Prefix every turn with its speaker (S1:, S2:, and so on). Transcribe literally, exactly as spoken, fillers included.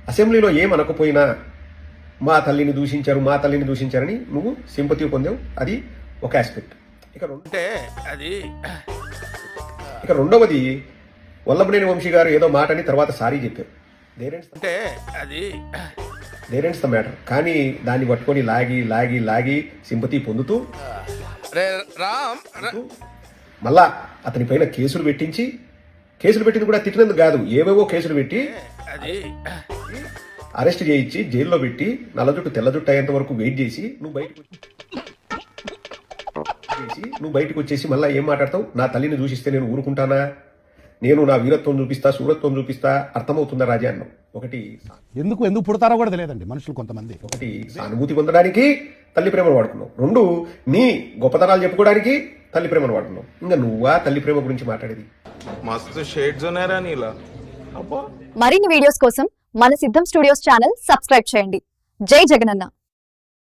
S1: అసెంబ్లీలో ఏమనకపోయినా మా తల్లిని దూషించారు మా తల్లిని దూషించారని నువ్వు సింపతి పొందావు. అది ఒక ఆస్పెక్ట్. ఇక అంటే అది ఇక రెండవది వల్లభనేని వంశీ గారు ఏదో మాట అని తర్వాత సారీ చెప్పారు. అంటే అది దేరెంట్స్ ద మ్యాటర్. కానీ దాన్ని పట్టుకొని లాగి లాగి లాగి సింపతి పొందుతూ మళ్ళా అతని పైన కేసులు పెట్టించి, కేసులు పెట్టింది కూడా తిట్టినందుకు కాదు, ఏవేవో కేసులు పెట్టి అరెస్ట్ చేయించి జైల్లో పెట్టి నల్ల జుట్టు తెల్ల జుట్టు అయ్యేంత వరకు వెయిట్ చేసి నువ్వు బయటకు చేసి నువ్వు బయటకు వచ్చేసి మళ్ళీ ఏం మాట్లాడతావు? నా తల్లిని దూషిస్తే నేను ఊరుకుంటానా? నేను నా వీరత్వం చూపిస్తా, సూరత్వం చూపిస్తా. అర్థమవుతుందా రాజా అన్నావు. ఒకటి
S2: ఎందుకు ఎందుకు పుడతారో కూడా తెలియదండి మనుషులు కొంతమంది.
S1: ఒకటి సానుభూతి పొందడానికి తల్లి ప్రేమను వాడుకున్నావు. రెండు నీ గొప్పతనాలు చెప్పుకోవడానికి తల్లి ప్రేమను వాడుకున్నావు. ఇంకా నువ్వా తల్లి ప్రేమ గురించి మాట్లాడేది?
S3: మస్తు షేడ్స్ ఉన్నాయరా నీలా.
S4: మరిన్ని వీడియోస్ కోసం మన సిద్ధం స్టూడియోస్ ఛానల్ సబ్స్క్రైబ్ చేయండి. జై జగనన్న.